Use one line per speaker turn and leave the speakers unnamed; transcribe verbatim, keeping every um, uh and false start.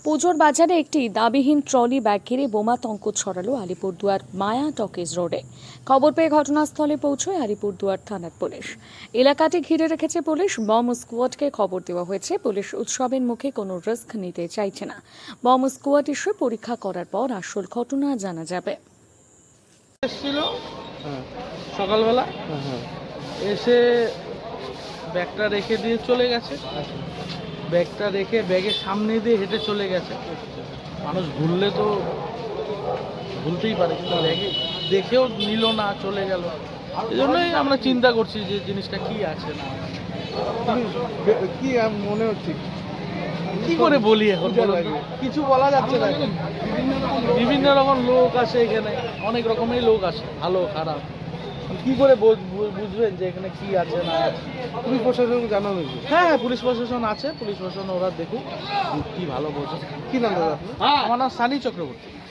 পুজোর বাজারে একটি দাবিহীন ট্রলি ব্যাগ ঘিরে বোমাতঙ্ক ছড়ালো আলিপুরদুয়ার মায়া টকিজ রোডে। খবর পেয়ে ঘটনাস্থলে পৌঁছয় আলিপুরদুয়ার থানার পুলিশ। এলাকাটি ঘিরে রেখেছে পুলিশ। বম স্কোয়াডকে খবর দেওয়া হয়েছে। পুলিশ উৎসবের মুখে কোনো রিস্ক নিতে চাইছে না। বম স্কোয়াড এসে পরীক্ষা করার পর আসল ঘটনা জানা যাবে।
এসেছিল সকালবেলা এসে ব্যাগটা রেখে দিয়ে চলে গেছে। ব্যাগটা রেখে ব্যাগের সামনে দিয়ে হেঁটে চলে গেছে। মানুষ ভুললে তো ভুলতেই পারে, কিন্তু ব্যাগে দেখেও নিল না, চলে গেল। এই জন্যই আমরা চিন্তা করছি যে জিনিসটা কি আছে না
কি মনে হচ্ছে,
কি করে বলি এখন, কিছু বলা যাচ্ছে না। বিভিন্ন রকম লোক আসে এখানে, অনেক রকমের লোক আসে, ভালো খারাপ। কি করে বুঝবেন যে এখানে কি আছে না আছে?
পুলিশ প্রশাসনকে জানানো হয়েছে।
হ্যাঁ হ্যাঁ পুলিশ প্রশাসন আছে, পুলিশ প্রশাসন ওরা দেখুক কি ভালো বোঝে।
কি নাম দাদা আপনার?
আমার নাম সানি চক্রবর্তী।